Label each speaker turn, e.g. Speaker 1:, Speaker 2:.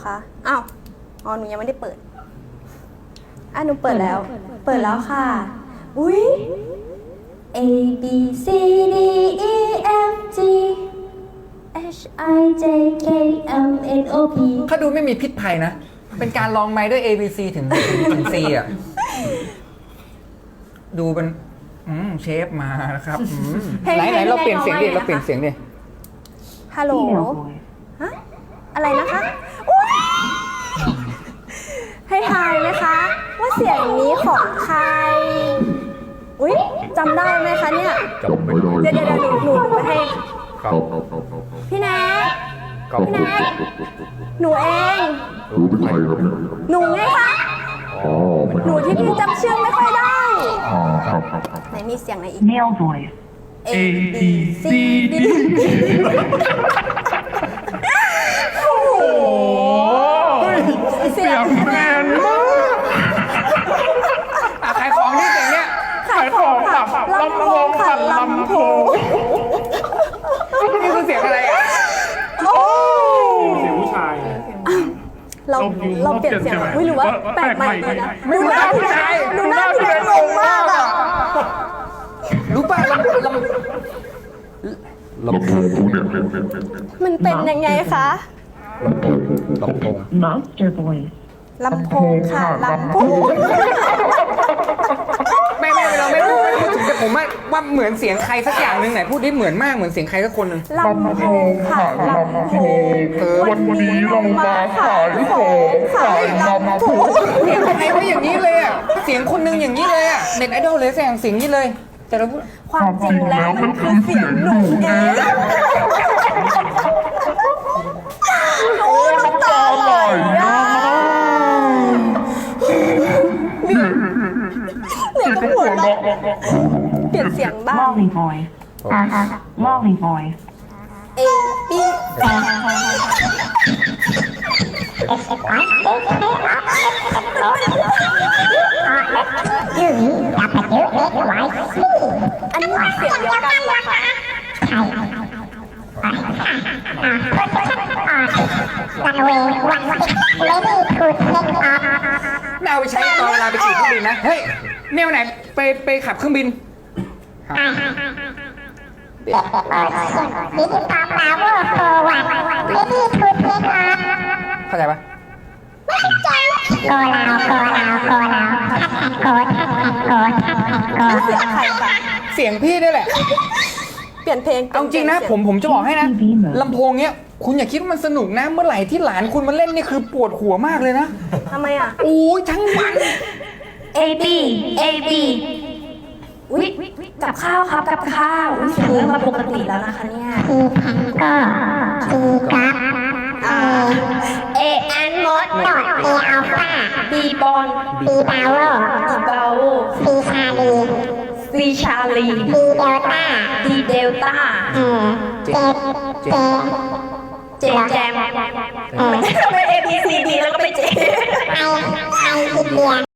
Speaker 1: คะอ้าวอ๋อหนูยังไม่ได้เปิดหนูเปิดแล้วค่ะ อุ้ย A B C D E F G H I J K L M N O P
Speaker 2: เขาดูไม่มีพิษภัยนะ เป็นการลองไม้ด้วย A B C ถึง C อ่ะ ดูเป็นเชฟมาแล้วครับไหนเราเปลี่ยนเสียงดิ
Speaker 1: ฮัลโหลฮะอะไรนะคะให้ทายไหมคะว่าเสียงนี้ของใครอุ๊ยจำได้ไหมคะเนี่ยเดี๋ยวหนูไปให้พี่แนทหนูเองหนูไงคะหนูที่พี่จำชื่อไม่ค่อยได้ไหนมีเสียงไหนอีก
Speaker 3: Male voice
Speaker 1: A B C D โอ้โหเสียงแมนมาก
Speaker 2: ขายของนี่เสียงเนี้ย
Speaker 1: ขายของค่ะลำโพงค่ะลำโพง
Speaker 2: นี่คือเสียงอะไรอ่ะ
Speaker 1: โอ้
Speaker 4: เสียงผู้ชาย
Speaker 1: เราเปลี่ยนเสียงไม่รู้ว่าแปลกใหม่ดีนะดูหน้าพี่แนทงงมากอ่ะ
Speaker 2: รู้ป่ะลำโพงเนี่ย
Speaker 1: มันเป็นยังไงคะ
Speaker 2: ลำโพง
Speaker 3: Monster voice
Speaker 1: ลำโพงค่ะลำโพง
Speaker 2: ไม่เราไม่พูดถึงแต่ผมว่าเหมือนเสียงใครสักอย่างหนึ่งไหนพูดได้เหมือนมากเหมือนเสียงใครสักคนหนึ่ง
Speaker 1: ลำโพงค่ะลำโพงวันนี้เรามาขายของขายลำโพง
Speaker 2: เสียงใครว่าอย่างนี้เลยอ่ะเสียงคนหนึงอย่างนี้เลยอ่ะเน็ตไอดอลเลยเสียงนี้เลยแต่เราพูด
Speaker 1: ความจริงแล้วมันคือเสียงหนูเองโอ้น้ำตาไหลอ่ะเนี่ยต้องหัวเราะเปลี่ยนเสียงบ้าง
Speaker 3: Lolly voice Lolly voice
Speaker 1: A B อันนี้เสียงเดียวกันเหรอคะ
Speaker 2: น่าเอาไปใช้ตอนเวลาไปขี่เครื่องบินนะเฮ้ยแนวไหนไปขับเครื่องบินเข้าใจปะ
Speaker 1: เสียงใครคะ
Speaker 2: เสียงพี่นี่แหละ
Speaker 1: เปลี่ยนเพลง
Speaker 2: เอาจริงนะผมจะบอกให้นะลำโพงเนี้ยคุณอย่าคิดว่ามันสนุกนะเมื่อไหร่ที่หลานคุณมาเล่นนี่คือปวดหัวมากเลยนะ
Speaker 1: ทำไมอ่ะ
Speaker 2: โอ้ยทั้งวัน
Speaker 1: A Bอุ๊ยกับข้าวครับกับข้าวเสียงเริ่มมาปกติแล้วนะคะเนี่ยA and mod A alpha B bond B power B power C Charlie D delta เจแจมไม่ใช่ทำไม A B C D แล้วก็ไปเจ